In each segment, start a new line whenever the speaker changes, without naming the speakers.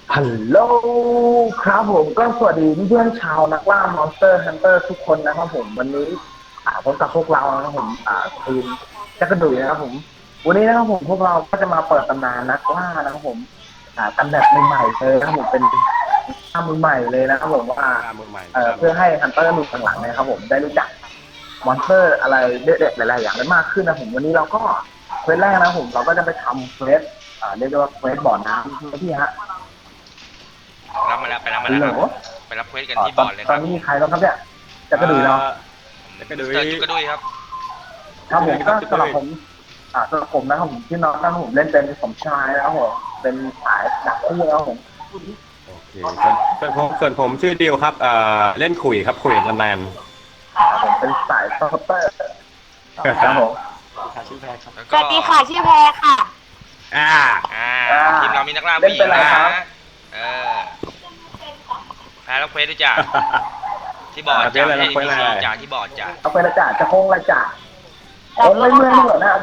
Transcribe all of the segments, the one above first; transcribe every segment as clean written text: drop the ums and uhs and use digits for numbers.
ฮัลโหลครับผมก็สวัสดีเพื่อนๆชาวนักล่ามอนสเตอร์ฮันเตอร์ทุกคนนะครับผมวันนี้พบกับพวกเรานะครับผมทีมจักรดุยนะครับผมวันนี้นะครับผมพวกเราก็จะมาเปิดตำนานนักล่านะครับผมกันแบบใหม่ๆเลยนะครับผมเป็นข้ามือใหม่เลยนะครับผมว่า
ตามมือใหม่
เพื่อให้ฮันเตอร์มือหลังๆนะครับผมได้รู้จักมอนสเตอร์อะไรเด็ดๆหลายๆอย่างได้มากขึ้นนะผมวันนี้เราก็เควสแรกนะผมเราก็จะไปทำเควสเรียกได้ว่าเควสบ่อน้ำที่ฮะ
รับมาแล้วไปรับมา
ฮัลโหล
แล้วครับไปรับเควสกันที่บอร์ดเลยค
ตอ
รั
น
บ
นี้มีใครบ้างครับเนี่ยจะกระดุยเนาะ
จักระดุย
เจอจุกกระดุยครับ
ครับผมก็สำหรับผมสำหรับผมนะครับผมที่น้องนะครับผมเล่นเป็นสมชายนะครับผมเป็นสายดักคู่นะครับผม
โอเคส่วนผมชื่อดิวครับเล่นขุยครับขุยตำนาน
ผมเป็นสายซัพเปอร์ครับผม
แล้ว
ส
ก็
วัสดีค่ะชื่อแพรค่ะ
อ่า
ทีมเรามีนักล่าผู้หญิงนะเออแพ้รับเควสด้วยจ้ะที่บอร์ดจ้ะไม่ใช่ NPC จ้ะที่บอร์ดจ้ะ
เอาไปละจ่าจะโค้งละจ่าโอนไม่เมื่อยเหรอนะ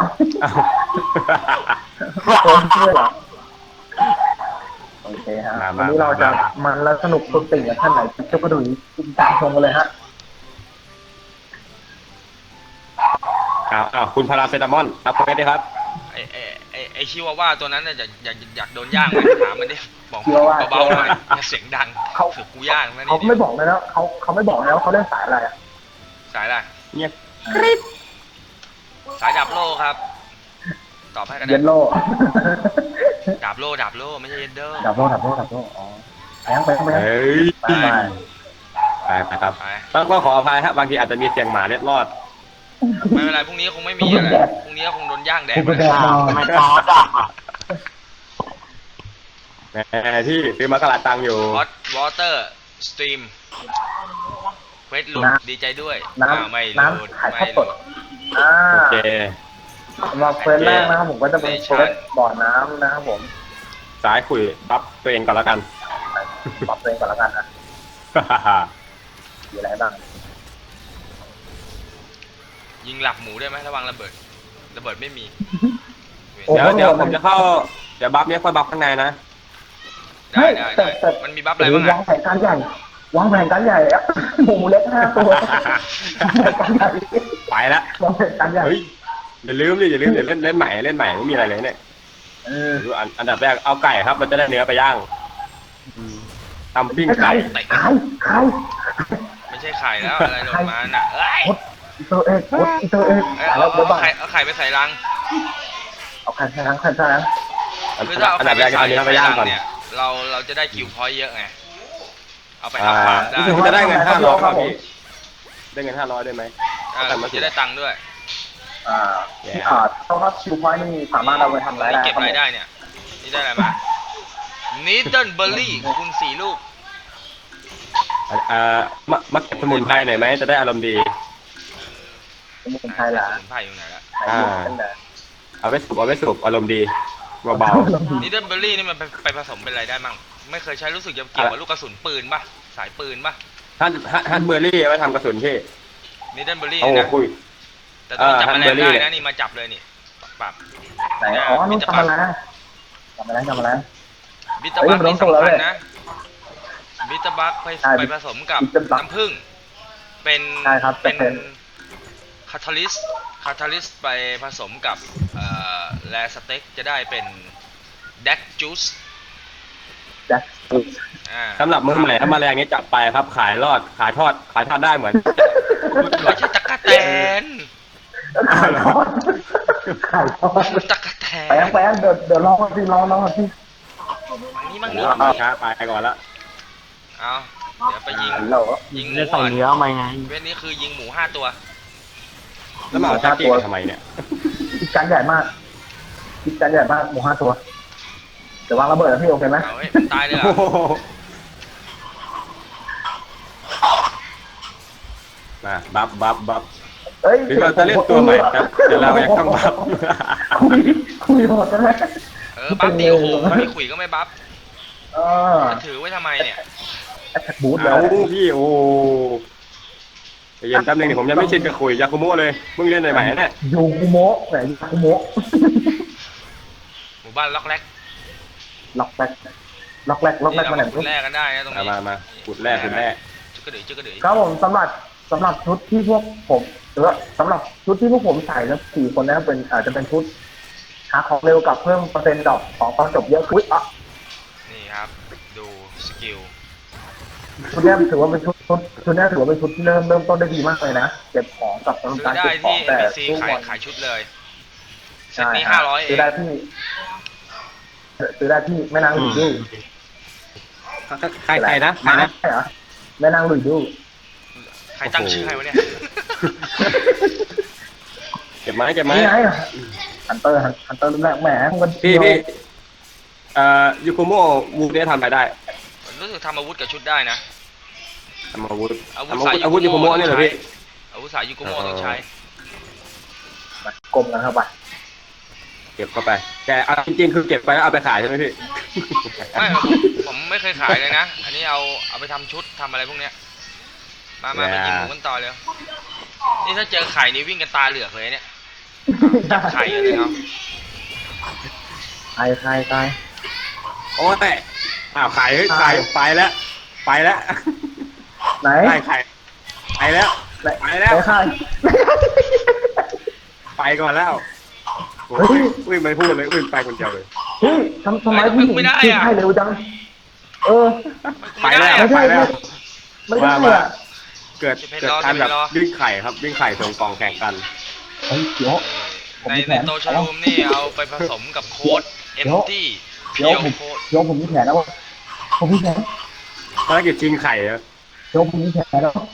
โอนเมื่อยเหรอโอเคฮะวันนี้เราจะมันแล้วสนุกสุดติ่งกับท่านไหนจะกระดุยตามชมกันเลยฮะ
คุณพาราเซตามอลรับเควสได้ครับ
ไอชิวาว่าตัวนั้นน่ะอยากโดนย่างไหมถามมันดิบอกเบาๆหน่อยอย่าเสียงดังถือกูย่างนะ
เขา
นี่
ไม่บอกเลยนะเขาไม่บอกนะว่าเขาเล่นสายอะไร
สายอะไร
เงียบ
สายดาบโล่ครับตอบให้กัน
เยนโล
ดาบโล่ไม่ใช่เยนเดอร์
ดับโลอ๋อไป
เฮ้ย
ไป
ไปครับ
ไป
ต้องขออภัยครับบางทีอาจจะมีเสียงหมาเล็ดรอด
ไม่เป็นไรพรุ่งนี้คงไม่มีอะไรพรุ่งนี้คงโดนย่างแดด
ไปแดด
ไม่ตอดอ่ะ
แหมที่ซื้อมากระลาตังอยู่
ฮอตวอเตอร์สตรีมเควสหลุดดีใจด้วยไม่หลุด
ถ่าย
ไม่
ทอด
ห
ส
ลุ
ด
ด
โอเค
สำหรับเฟสแรกนะครับผมก็จะเป็นเฟสบ่อน้ำนะครับผม
สายขุยบัฟตัวเองก่อนแล้วกัน
ปรับตัวเองก่อนแล้วกันนะมีอะไรบ้าง
ยิงหลับหมูได้ไหมระวังระเบิดไม่มี
เดี๋ยวผมจะเข้าเดี๋ยวบัฟเนี้ยค่อยบัฟข้างในนะ
ได้มันมีบัฟอะไรบ้าง
วาง
อะ
แผนการใหญ่วางแผนการใหญ่หมูเล็ก5 ตัวการใหญ่
ไปละ
วางแผนการใหญ่
เฮ้ยอย่าลืมเดี๋ยวเล่นใหม่ไม่มีอะไรเลยเนี่ยอันดับแรกเอาไก่ครับเราจะได้เนื้อไปย่างทำปิ้งไก่
ขาย
ไม่ใช่ไข่แล้วอะไรหล่นมาน่ะเอ้ย
อิเตอร์เอ็ก
เอาไข่ไปใส่รัง
เอาไข่ใส่ทั้งนะ
คือถ้าเอา
อัน
ไข่
ดับ
ไป
แรก
ใส่
เอาเนื้อไปย่างก่อน
เนี่ยเราจะได้คิวพอยต์เยอะไงเอาไปอัพฟาร์มได้
รู้สึกว่าจะได้เงิน500ครับพี่ได้เงิน500ได้ไหม
จะได้ตังค์ด้วย
เพราะว่าคิวพอยต์นี่สามารถเอาไปทำรายได้
เก็บรายได้เนี่ยนี่ได้อะไรมานิดเดิลเบอร์รี่คุณ4 ลูก
มักเก็บสมุนไพรหน่อยไหมจะได้อารมณ์ดี
เป็นคนไทยแหละ
สมุนไพรอยู่ไหนละ
เอาไว้สูบอารมณ์ดีเบา
นิดเดิลเบอร์รี่นี่มันไปผสมเป็นอะไรได้มั่งไม่เคยใช้รู้สึกจะเกี่ยวกับลูกกระสุนปืนป่ะสายปืนป่ะ
ๆท่านเบอร์รี่เอาไว้ทำกระสุนพี่
นิดเดิลเบอร์รี่
โอ้
นะ
คุย
แต่ต้องจับแมลงได้
ฮั
นะ
นเบอร์รี่
นี่มาจับเลยนี่ปรับ
ไหนอ๋อนู่นทำอะไร
บิตเตอร์บัคนี่สำคัญนะบิตเตอร์บัคไปผสมกับน้ำผึ้งเป็นคาทาลิสไปผสมกับแลสเต็กจะได้เป็นแดกจูส
สำหรับมือใหม่ถ้าแมลงนี้จับไปครับขายทอดได้เหมือน
ไม่ใช่ตะกะแตน
ขายทอด
ตะกะแตน
แปะเดี๋ยวลองสิ
นี่มั่ง
ช้าไปก่อนละ
เอาเดี๋ยวไปยิงหมู
จะใส่เนื้อมาไง
เวทนี้คือยิงหมู5 ตัว
แล้วมาเอาแจ็คกี้ทำไมเนี่ย
คิดการใหญ่มากหมู5 ตัวเดี๋ยววางระเบิดพี่โอเคไหม
เอาให้ตายเลย
มาบัฟ
เฮ้ย
หรือเราจะเล่นตัวใหม่ครับเดี๋ยวเรายังต้องบัฟ
คุยหมดกันไหม
บัฟดีโอ้โหไม่ขุยก็ไม่บัฟ
เออ
จะถือไว้ทำไมเนี่ย
แอคบูทแล้
เอา
ว
พี่โอ้เย็นแป๊บนึงผมยังไม่ชินกับคุยยาคุโมะเลยเพิ่งเล่นใหม่ๆเนี่ย
ยูคุโมะไหนยูคุโมะ
หมู่บ้านล็อกแรก
ล็อกแบ็คล็อกแรกล็อกแร
นี่
ก
เรา
มาไหน
มาขุดแร่กันได้นะตรงนี้
มาขุดแร่ขุดแร่
จุกกระดือจุกกระดือ
ครับผมสำหรับชุดที่พวกผมหรือว่าสำหรับชุดที่พวกผมใส่แล้ว4 คนนั้นเป็นจะเป็นชุดหาของเร็วกับเพิ่มเปอร์เซ็นต์ดอกของตอนจบเยอะขึ้นอ่ะ
นี่ครับ ดูสกิล
ชุดนี้ถือว่าเป็นชุดนี้ถือว่าเป็นชุดที่เริ่มต้นได้ดีมากเลยนะเก็บของกับ
ซื้อ
การ
ได้
เก็บขอ
ที่
งแต่
NPC
ทุก
ขาย
วัน
ขายชุดเลยเซต
ใช่
นี้
ฮะ
500เอ
ซื้อง ได้ที่แม่นางหลุยดู
ใครนะใครนะ
ใช่เหรอแม่นางหลุยดู
ใครตั้งชื่อให้วะเนี่ย
เก็บไม้เก็บไม้
นี่ไงฮันเตอร์รุ่นแรกแหมพวกมัน
พี่ยูโกโมวูเนี่ยทำอะไรได้
รู้สึกทำอาวุธกับชุดได้นะ
ทำอาวุธ
อาวุธ
ยูโกโมเนี่ยเหรอพี่
อาวุธสายยูกุโมะต้องใช้
กลมกันเข้าไป
เก็บเข้าไปแต่เอาจริงๆคือเก็บไปแล้วเอาไปขายใช่ไหมพี่
ไม่ผมไม่เคยขายเลยนะ อันนี้เอาไปทำชุดทำอะไรพวกเนี้ยมาไปยิงหมูกันต่อเลยนี่ถ้าเจอไข่นี่วิ่งกันตาเหลือกเลยเนี่ยจับไข่เลยครับ
ตาย
โอ้แต่ขายไปแล้ว
ไหน
ได้ขายไปแล้ว
ไหน
ไปแล้ว
ใคร
ไปก่อนแล้ว
เฮ้ย
อุ้ยไม่พูดเลยอุ้ยไปคนเดียวเลย
เฮ้ยทำไมพี่ให้เร็วจัง
ไปแล้ว
ไม่
ไป
ใช่
แล้ว
ไม่ได้อะ
เกิดการแบบวิ่งไข่ครับวิ่งไข่ส่งกล่องแข่งกัน
เฮ้ยเดี๋ยว
ในโตชลูมนี่เอาไปผสมกับโค้ดเอ็มตี้เพียวโค้ด
เดี๋ยวผมมีแผนแล้วผมมีแผน
ภารกิจชิงไข่อะ
เดี๋ยวผมมีแผนแล้ว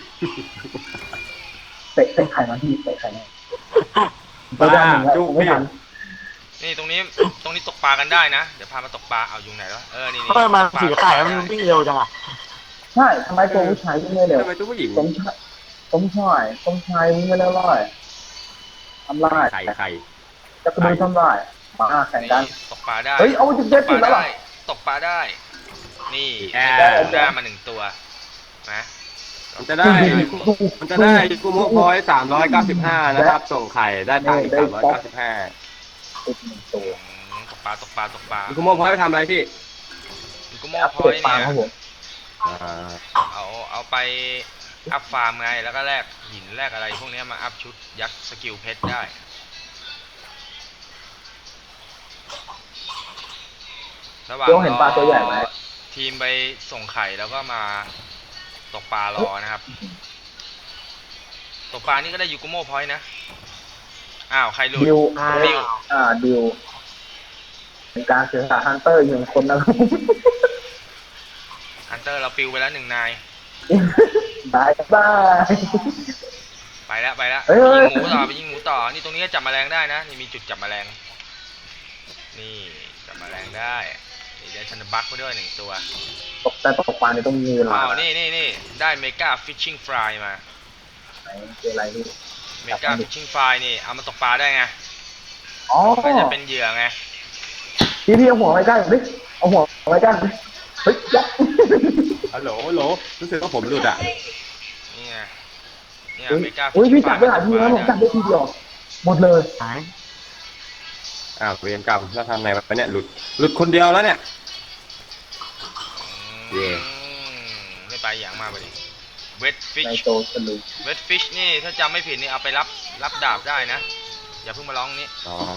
เตะไข่มาที่เตะไข่มาตัวด้านหนึ่งแล้วไม่ทัน
นี่ตรงนี้ตกปลากันได้นะเดี๋ยวพามาตกปลาเอาอยู่ไหนแล้วนี่
ทำไมมันสีไข่มันวิ่งเร็วจังอ่ะ
ใช่ทำไมตัวผู้ชายวิ่งไม่เร็ว
ทำไมตัวผู้หญิง
สมชายวิ่งไม่เร็วเลยทำลาย
ไข่
จะกระโดดทำลายมาแข่งกัน
ตกปลาได้
เฮ้ยเอาจุดเจ็ดจุดแล้วเหรอ
ตกปลาได้ นี่
ได้
มา1 ตัวนะ
มันจะได้กูโมพอย395นะครับส่งไข่ได้ตังค์อีก395
ติด1 ตัว
ตกปลา
กูโมพอยไปทำอะไรพี่
ยูกุโม
อัพ
พอ
เดต
ย
ปลา
เนี่ย
ครับผม
เอาไปอัพฟาร์มไงแล้วก็แลกหินแลกอะไรพวกนี้มาอัพชุดยักษ์สกิลเพชรได้ระหว่าง
เดี๋ยวเห็นปลาตัวใหญ่ไหม
ทีมไปส่งไข่แล้วก็มาตกปลารอนะครับตกปลานี่ก็ได้ยูกุโมพอยนะอ้าวใครหลุด
ดิว
ดิว
ดิวเป็นการเสียสละฮันเตอร์อีก1 คนนะครับ
ฮันเตอร์เราปิวไปแล้ว1 นาย
บาย
ไปแล้ว
เฮ้ย
ยิงหมูต่อนี่ตรงนี้ก็จับแมลงได้นะนี่มีจุดจับแมลงนี่จับแมลงได้นี่ได้ชันบัคไปด้วย1 ตัว
แต่ตกปลาเนี่ยต้องมีเวลา
อ้าวนี่ได้เมกาฟิชชิ่งฟรายมา
ไหนเป็นอะไรนี่
เมกาฟิชชิ่งฟรายนี่เอามาตกปลาได้ไง
อ๋อ
ก็จะเป็นเหยื่อไง
พี่เอาหัวไว้ใกล้ดิเอาหัวไว้ใกล้เฮ้ยยับ
ฮัลโหลรู้สึกว่าผมหลุดอ่ะ
นี่ไงเนี่ยเมกา
อุ้ยพี่จับได้หลายทีแล้วผมจับได้ทีเดียวหมดเลย
หาย
เรียนกรรมแล้วทำไงไปเนี่ยหลุดคนเดียวแล้วเนี่ย เย่
ไม่ไปอย่างมาไปดิเวทฟิช
ในโตสนุก
เวทฟิชนี่ถ้าจำไม่ผิดนี่เอาไปรับดาบได้นะอย่าเพิ่งมาร้องนี้
อ๋อ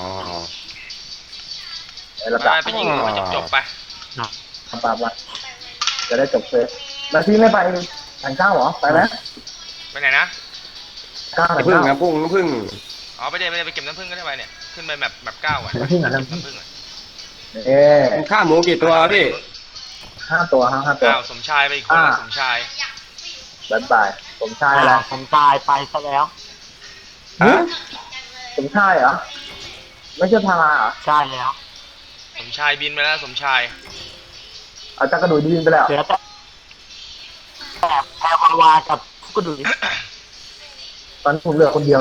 ระดับ
ไปยิงหัวจบไป
ทำตามละจะได้จบเฟสแล้วพี่ไม่ไปทางเก้าเหรอไปไหม
ไปไหนนะ
เก้าทาง
พึ่ง
เก้า
นะพึ่ง
อ๋อไปเดี๋ยวไปเก็บน้ำผึ้งก็ได้ไปเนี่ยขึ้นไปแบบ9ก่อน
น้ำผึ้งอ่ะ
น้ำผึ้งอ่ะ
ข้าหมูกี่ตัวพี่
5 ตัว5 ตัว
อ้าวสมชายไปอีกคนสมชาย
บายผมชายอะไร
ผมตายไปซะแล้ว
ฮะ
ผมชายเหรอไม่ใช่พาราเหรอ
ใช่แล้ว
สมชายบินไปแล้วสมชาย
เอาจักระดูดีนไปแล้ว
เหลือแต่แพรวากับกุดุย
ตอนผมเหลือคนเดียว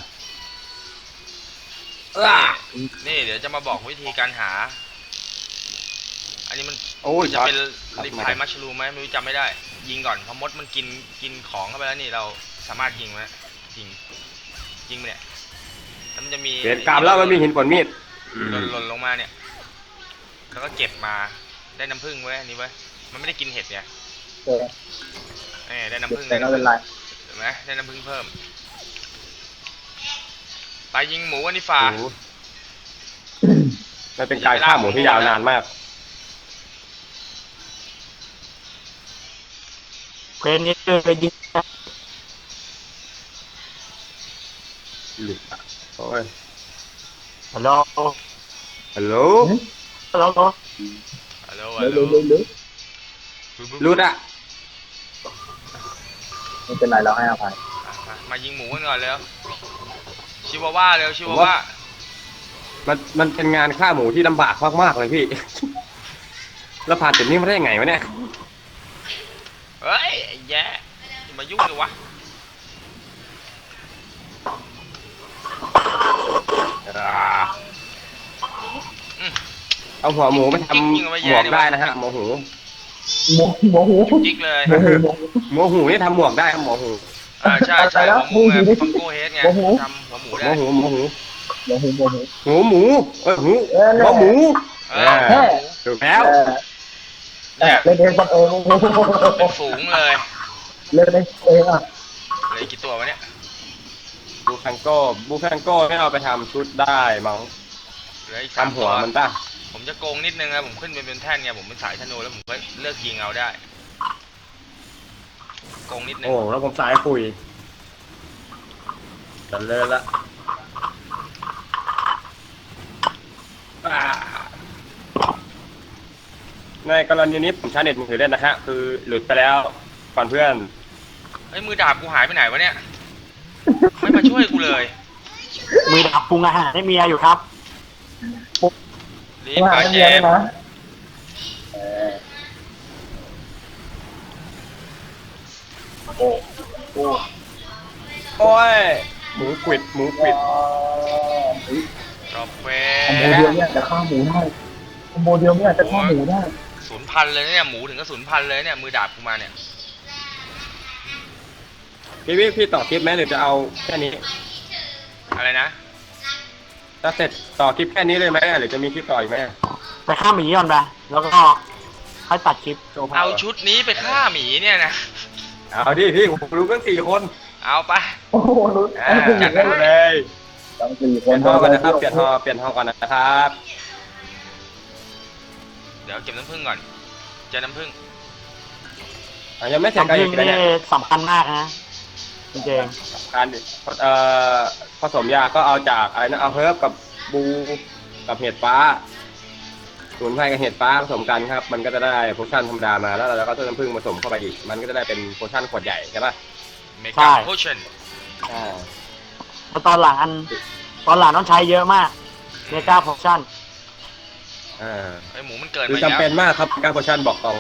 นี่เดี๋ยวจะมาบอกวิธีการหา อันนี้มัน
โอ้ย
จะเป็นรีพายมัชลูมไหมไม่รู้จำไม่ได้ ยิงก่อนพอมดมันกินของเข้าไปแล้วนี่เราสามารถยิงมันยิงไปเนี่ยแล้วมันจะมี
เรียนกรรมแล้วมันมีหินฝนมีด
หล่นลงมาเนี่ยแล้วก็เก็บมาได้น้ำผึ้งไว้อันนี้ไว้มันไม่ได้กินเห็ดไง
เออ
ได้น้ำผึ้ง
แต่ไม่เป็นไร
เห็นไหมได้น้ำผึ้งเพิ่มไปยิงหมูอันนี้ฝ่า
โอ้โหมันเป็นการฆ่าหมูที่ยาวนานมาก
เพลงนี้เลยยิง
หลุดอ่ะโอ้ย
ฮัลโหล
ฮัลโหล
ฮัลโหล
ฮัลโหล
เร็วๆ
หลุดอ่ะ
ไม่เป็นไรเราให้อภัย
มายิงหมูกันก่อนเร็วชิวาว่าเร็วชิวาว่า
มันเป็นงานฆ่าหมูที่ลำบากมากๆเลยพี่ แล้วผ่านจุดนี้มาได้ยังไงวะเนี่ย
เฮ้ยไอ้แย่อย่ามายุ่งเลยวะ
เอาหัวหมูไปทำหมวกได้นะฮะหมูหู
หมูหู
จิกเลย
หมูหู
หมูหูนี่ทำหมวกได้ครับหมูหู
ใช่ใช่หัวหมูไงฟังโก้เฮดไงทำหัวหมู
ห
ได้
มูหูหมูหู
หมูหู
หมูหมูหัวหมู ถูกแล้ว
เนี่ย
เล่นเองบังเอิญ
เป็นฝูงเลย
เล่นเองอ่ะ
เหลยกี่ตัววะเนี่ย
บูคังโก้ไม่เอาไปทำชุดได้มั้ง
เหลืออีก3
ทำหั
ตัว ว
มันป่ะ
ผมจะโกงนิดนึงนะผมขึ้นเป็นแท่นไงผมเป็นสายธนูแล้วผมก็เลือกยิงเอาได้โกงนิดนึง
โอ้แล้วผมสายคุยจันเลยละในกรณีนี้ผมใช้เน็ตมือถือเล่นนะฮะคือหลุดไปแล้วก่อนเพื่อน
เฮ้ยมือดาบกูหายไปไหนวะเนี่ยไม่มาช่วยกูเลย
มือดับปรุงอาหารให้เมียอยู่ครับ
รีบมาเจม
นะ
โอ้ยหมูกวิด
จบเฟ
คอมโบเดียวเนี่ยจะฆ่าหมูได้คอมโบเดียวเนี่ยจะฆ่าหมูได้
0,000เลยเนี่ยหมูถึงก็0,000เลยเนี่ยมือดาบกูมาเนี่ย
พี่ต่อคลิปไหมหรือจะเอาแค่นี้
อะไรนะ
ถ้าเสร็จต่อคลิปแค่นี้เลยไหมหรือจะมีคลิปต่ออีกไหม
ไปข้ามหมีก่อนไปแล้วก็ค่อยตัดคลิป
เอาชุดนี้ไปฆ่าหมีเนี่ยนะ
เอาดิพี่ผมรู้กัน4 คน
เอาไป
โอ้โหรู้
จัดได้เลย
ตั้ง4 ค
เปลี่ย
น
นห้องก่อนนะครับเปลี่ยนห้องก่อนนะครับ
เดี๋ยวเก็บน้ำผึ้งก่อนเจอน้ำผึ้ง
ยังไม่เสร็จ
น้ำ
กัน
ผึ้
อี
ง
กนะ
นี่
เนี่ย
สำคัญมากนะจริง
การผสมยาก็เอาจากอะไรนะเอาเฮิร์บกับบูกับเห็ดฟ้าสมุนไพรกับเห็ดฟ้าผสมกันครับมันก็จะได้โพชั่นธรรมดามาแล้วเราก็ต้นน้ำผึ้งผสมเข้าไปอีกมันก็จะได้เป็นโพชั่นขวดใหญ่ใช่ป่ะ
เมกาโพชั่น
ๆแล้วตอนหลังต้องใช้เยอะมากเมกาโพชั่น
ไอหมูมันเกิด
คือ
มาแล้ว
จำเป็นมากครับการโพชั่นบอกตรง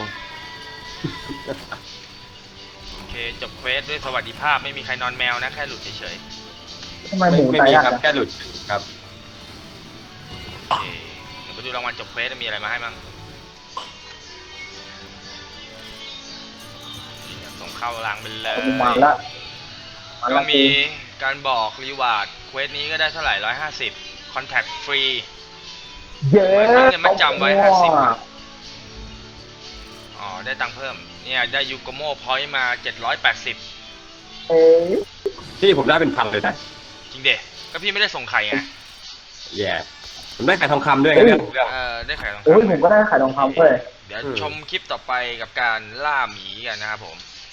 โอเคจบเควสด้วยสวัสดิภาพไม่มีใครนอนแมวนะแค่หลุดเฉย
ทำไมหมู
ไม่
ตาย
มี
ยาก
ครับ
นะ
แค่หลุดครับ
ๆโอเคเดี๋ยวไปดูรางวัลจบเควสมีอะไรมาให้บ้างส่งเข้ารางไปเลย
มาแล้ว
ก็มีการบอกรีวาร์ดเควสนี้ก็ได้เท่าไหร่150คอนแทคฟรี
เยอะ
เนี่ยมันจำไว้50 อ๋อได้ตังค์เพิ่มเนี่ยได้ยูโกโมพอยต์มา780
เอ้ย
ที่ผมได้เป็นพันเลยนะ
จริงเด็ก็พี่ไม่ได้ส่งไข่ไง
แย่ผมได้ไข่ทองคำด้วยไงเรื่อง
ได้ไข่ทอง
โอ้ย
คำ
ผมก็ได้ขายทองคำเลย
เดี๋ยวชมคลิปต่อไปกับการล่าหมีกันนะครับผม